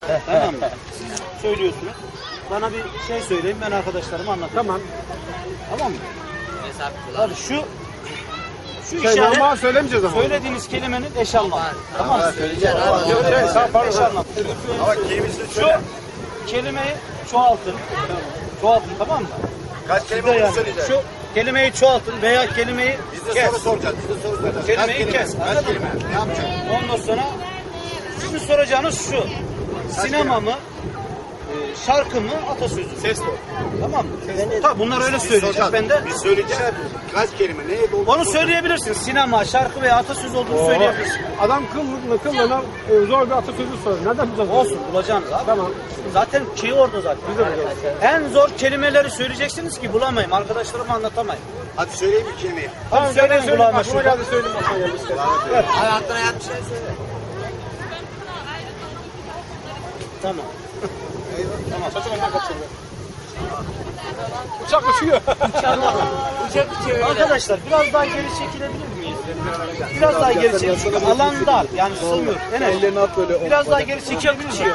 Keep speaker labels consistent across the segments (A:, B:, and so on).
A: Tamam mı? Siz söylüyorsunuz. Bana bir şey söyleyin, ben arkadaşlarıma anlatayım.
B: Tamam.
A: Tamam mı? Hadi şu
B: Şey,
A: işaret,
B: normal söylemeyeceğiz ama.
A: söylediğiniz kelimenin eş anlamı. Tamam mı?
C: Söyleyeceğiz.
A: Eş anlamı.
C: Ama kelimesini
A: Şu
C: söyle.
A: kelimeyi çoğaltın. Çoğaltın, tamam mı?
C: Kaç
A: Size
C: kelime
A: yani
C: söyleyeceğiz?
A: şu kelimeyi çoğaltın veya kelimeyi
C: Biz de
A: kes.
C: soru soracağız. Biz de soru soracağız.
A: Kelimeyi
C: Kaç
A: kes.
C: kelime?
A: Anladın
C: Kaç kelime? Ne yapacaksın?
A: Ondan sonra sizin soracağınız şu. Sinema mı? Şarkı mı? Atasözü.
C: Ses doğru.
A: Tamam mı? Tabii bunlar öyle söyleyecek. Ben de
C: Biz söyleyeceğiz. Kaç kelime? Neye doldu?
A: onu söyleyebilirsin. Sinema, şarkı veya atasözü olduğunu söyleyebilirsin.
B: Adam kıllığına zor bir atasözü soruyor. Nereden bulacağız?
A: Olsun, bulacaksınız abi.
B: Tamam.
A: Zaten şeyi orada zaten.
B: Biz de bulacağız.
A: En zor kelimeleri söyleyeceksiniz ki bulamayayım. Arkadaşlarıma anlatamayayım.
C: Hadi söyleyin bir kelimeyi.
B: Tamam,
A: söyleyin
B: söyleyeyim.
A: kulağıma
B: Aklıma
A: şurada.
B: geldi söyleyeyim. Aklıma geldi işte.
C: Hayatına yat bir şey söyle.
A: Tamam.
B: Tamam. Saçım ondan kaçırdı. Uçak uçuyor.
A: Arkadaşlar biraz daha geri çekilebilir miyiz? Biraz daha geri çekilebilir miyiz? Alan dar. Yani sığmıyor.
B: Ellerini at böyle.
A: Biraz daha geri çekilebilir miyiz?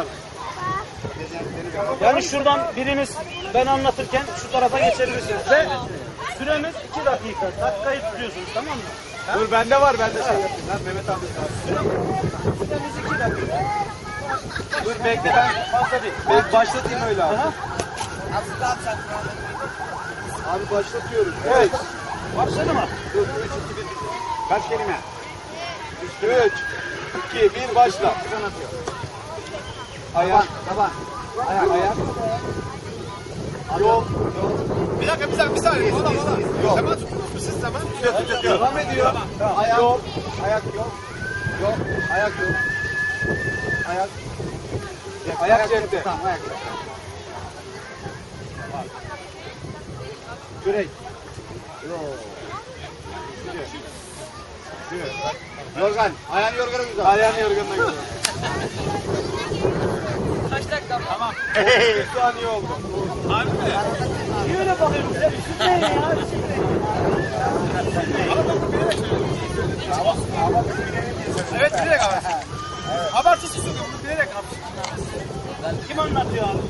A: Yani şuradan biriniz ben anlatırken şu tarafa geçebilirsiniz. Ve süremiz 2 dakika. Dakikayı tutuyorsunuz, tamam mı?
B: Dur bende var, bende şey yapayım. Lan Mehmet abi.
A: Süremiz 2 dakika.
B: Dur bekle ben.
A: Fazla değil.
B: Ben başlatayım öyle abi.
A: Aha.
B: Abi başlatıyorum.
A: Evet. Başladı mı?
B: Dur 3 2 1. Kaç kelime? 3 2 1 başla. Ayak. Taban. Ayak. Yol. Bir dakika bir saniye. Ola. Yok. Hemen tuttunuz mu siz zaman? Tutuyor. Devam ediyor. Ayak. Yol. Ayak yol. Yol. Ayak yol. Ayak. Ayak cepte. Tamam ayak cepte. Kürek. Yorgan. Ayağını yorgana güzel. Ayağını yorganına güzel.
D: Kaç dakika? Tamam.
B: 1 saniye oldu.
A: Niye öyle bakıyorsun? Sen ne ya?
B: Evet bilerek abi. Abartısız sokuyor bunu bilerek abi.
A: Kim anlatıyor abi?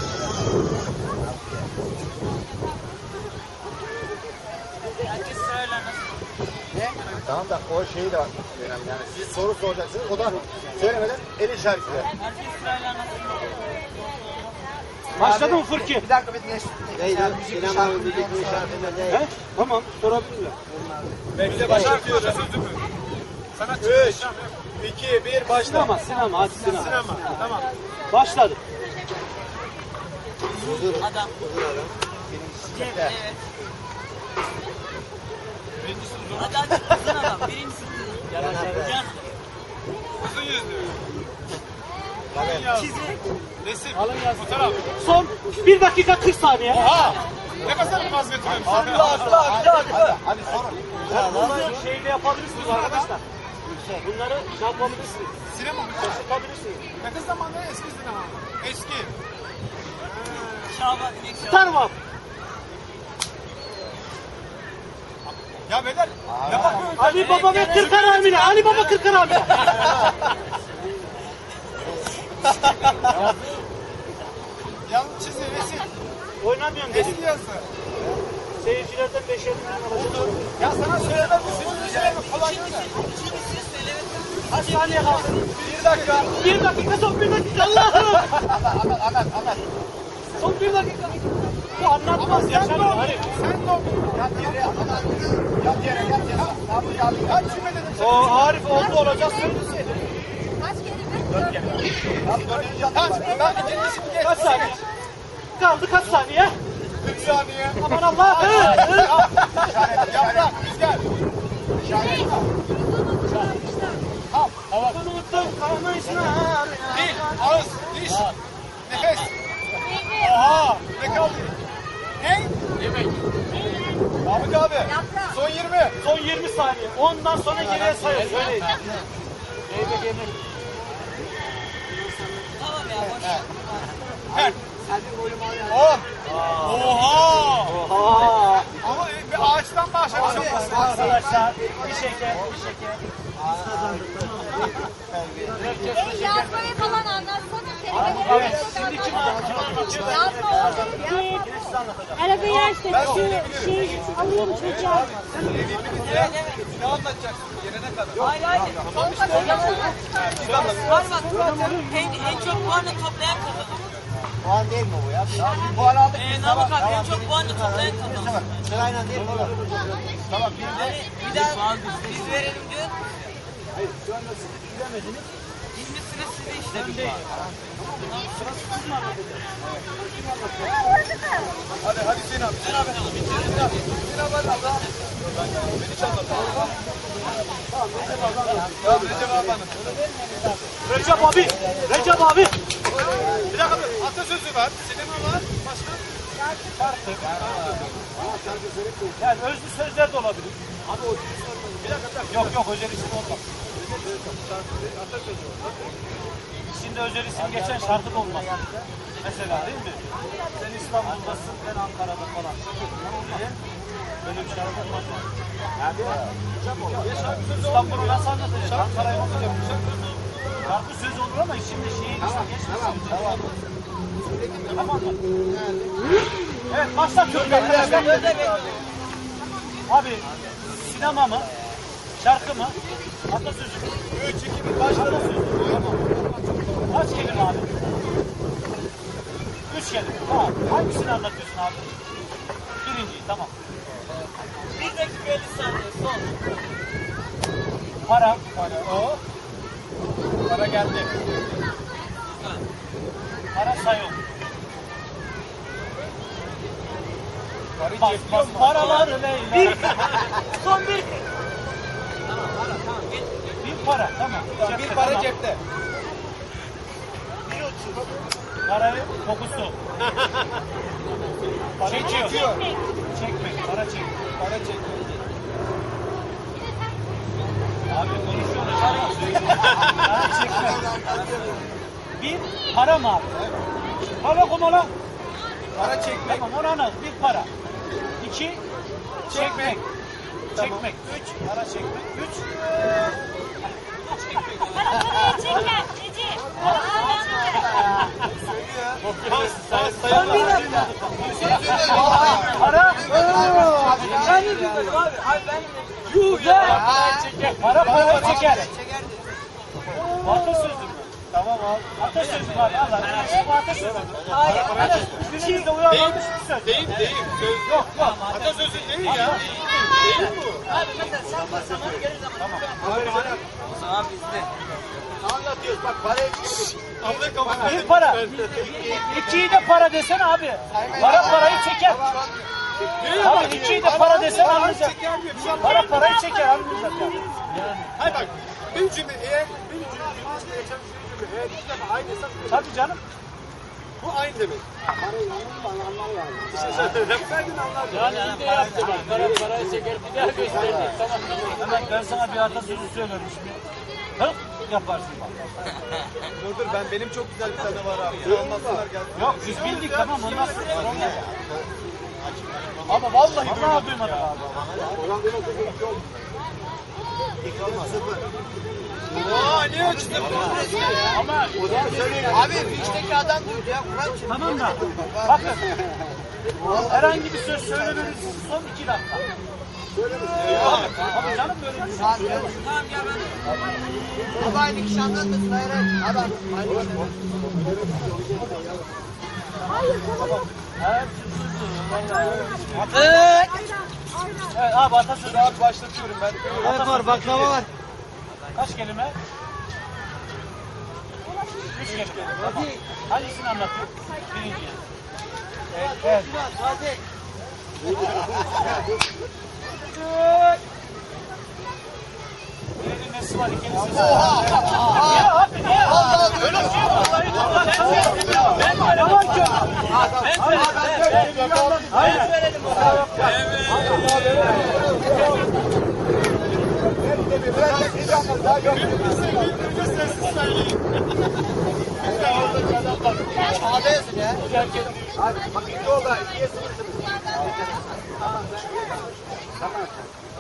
D: Herkes sırayla nasıl?
C: Tamam da o şeyi de var. Önemli yani. Siz soru soracaksınız. O da söylemeden el işaretiyle.
D: Herkes sırayla nasıl?
A: Başladı mı Fırki?
C: Bir dakika bir dinle. Sinema müzik işaretinde
A: He? Tamam, sorabilirler.
B: Bekle başlatıyor. Sana 3 2 1 başla.
A: Sinema, hadi sinema.
B: Sinema. Tamam.
A: Başladı.
D: Adam. Cem, evet. Hadi uzun adam. Birincisi uzun. Yan.
B: Uzun yüzlü.
D: Çizik.
B: Resim. Alın yaz. Fotoğraf.
A: Son 1 dakika 40 saniye.
B: Oha. Ne kadar bir vazgeçmem.
A: Hadi sorun. Bunları şeyle yapabilirsiniz arkadaşlar. Bunları ne yapabilirsiniz?
B: Sinema mı?
A: Yapabilirsiniz.
B: Yakın zamanda eski sinema. Eski.
D: Şaban. İnek Şaban.
A: Star Wars.
B: Ya beyler. Ne bakıyorsun?
A: Ali Baba ve Kırkar Amine. Ali Baba Kırkar Amine.
B: Yanlış çizgi resim.
A: Oynamıyorum dedim.
B: Eski yazı.
A: Seyircilerden 5'er bin alacağım.
B: Ya sana söylemem misin? Söylemem. Kolay değil mi?
A: Kaç saniye kaldı?
B: 1 dakika.
A: 1 dakika, son 1 dakika. Allah'ım.
C: Anlat.
A: Son 1 dakika. Bu anlatmaz. Yaşar Arif.
B: Sen de oku. Yat yere. Yat yere. Kaç cümle dedim sana?
A: O Arif oldu olacak söylesin.
B: Ben ikincisini geç.
A: Kaç saniye? Kaldı kaç saniye?
B: 40 saniye.
A: Aman Allah.
B: Yaprak. Rüzgar.
A: Unuttum kalmışlar.
B: Dil. Ağız. Diş. Nefes. Oha. Ne kaldı? Ne? Yemek. Mahmut abi. Son 20.
A: Son 20 saniye. Ondan sonra geriye sayıyoruz. Öyle. Yemek.
D: Tamam ya boş. ver.
B: Ver. 10. Oha.
A: Aa.
B: Ama bir ağaçtan başlamışım.
A: Arkadaşlar bir şeker.
E: Yazmayı falan anlatsana.
A: Yine size anlatacağım.
E: Arabayı aç da şu şey alayım çocuğa.
B: Ne anlatacaksın gelene kadar?
D: Hayır hayır. Var bak. En çok puanı toplayan kazanır.
C: Puan değil mi bu ya? Bir puan aldık biz.
D: Namık abi en çok puanı toplayan kazanır.
C: Sırayla değil mi oğlum? Tamam bir de.
D: Bir daha biz verelim diyor.
A: Hayır şu anda siz bilemediniz.
D: Şimdi sıra size işte.
A: Ben değil. Sırası siz mi anlatacaksınız?
B: Hadi Hüseyin abi. Hüseyin abi hadi abla. Beni çalma. Ya Recep abi anlat.
A: Recep abi! Recep abi!
B: Bir dakika dur. Atasözü var. Sinema var. Başka?
A: Yani özlü sözler de olabilir.
B: Bir dakika.
A: Yok yok özel isim olmaz. İçinde özel isim geçen şarkı da olmaz. Mesela değil mi? Sen İstanbul'dasın, ben Ankara'da falan. Olmaz. Böyle bir şarkı olmaz. İstanbul'u nasıl anlatacaksın? Ankara'yı nasıl yapacaksın? Şarkı söz olur ama içinde şehir isim geçmesin. Tamam mı? Evet başlatıyorum arkadaşlar. Abi sinema mı? Şarkı mı? Atasözü mü?
B: 3, 2, 1 başladı.
A: Tamam. Kaç kelime abi? 3 kelime. Tamam. Hangisini anlatıyorsun abi? Birinciyi tamam.
D: 1 dakika 50 saniye son.
A: Para.
B: O. Para geldi.
A: Para sayın.
B: Parayı
A: Bas
B: cepliyor
A: bas
B: mu?
A: paraları Leyla.
D: Son 1.
A: Bir para tamam.
B: Bir
A: Cepte,
B: para
A: tamam.
B: cepte.
A: Parayı kokusu. Para çekiyor.
B: Çekiyor.
A: Çekmek. Para çek.
B: Para çekiyor.
A: Abi konuşuyoruz. Para çekmek. Bir para mı abi? Para kumala.
B: Para çekmek.
A: Tamam onu anladım. Bir para. İki çekmek. Çekmek. Üç para çekmek. Üç
E: Parayı çeker Recep.
A: Son bir dakika. Para.
D: Ben de bilmiyorum abi. Abi ben de
A: Yuh ya. Para para çeker. Atasözü mü?
B: Tamam abi.
A: Atasözü var. Allah. Bu atasözü.
D: Hayır.
A: Üçünüzde uyarlanmış bir söz.
B: Değil. Söz
A: Yok yok.
B: atasözü değil ya. Değil bu.
D: Abi mesela sen basamanı gelir zaman. O zaman bizde.
C: Anlatıyoruz bak parayı çıkıyor.
B: Abla kapat.
A: Bir para. İkiyi de para desen abi. Para parayı çeker. Tamam ikiyi de para desen anlayacak. Para parayı çeker anlayacak yani.
B: Hayır bak. Bir cümle eğer bir cümle geçen bir cümle eğer iki defa aynıysa
A: Tabii canım.
B: bu aynı demek. İşte sen anlar.
A: Yani ne yaptı bak. Parayı çeker bir daha gösterdi. Tamam. Hemen ben sana bir atasözü söylüyorum şimdi. Hıp yaparsın bak.
B: Dur benim çok güzel bir tane var abi. Sen olmazsalar gelsin.
A: Yok biz bildik tamam ondan sonra olmaz.
B: Ama vallahi
A: Vallahi duymadım abi.
B: Aa ne ölçtü?
A: Ama
C: Abi içteki adam duydu ya. Kur'an için.
A: tamam da bakın herhangi bir söz söylemeniz son 2 dakika. Tabii canım böyle bir şey.
D: Tamam ya ben.
C: Ama aynı kişi anlatmasın. Hayır hayır. Adam. Aynı kişi.
A: Evet. Evet abi atasözü.
B: Abi başlatıyorum ben.
A: Evet var baklava var. Kaç kelime? 3 kelime. Tamam. Hangisini anlatıyor? Birinci. Evet. Birinin nesi var, ikincisi var. Ya abi niye? Öyle bir şey yok. Ben böyle yalan söylüyorum. Ben söyledim.
C: Sağda yazın ya.
B: Bak iki oldu. 2'ye 0'sınız.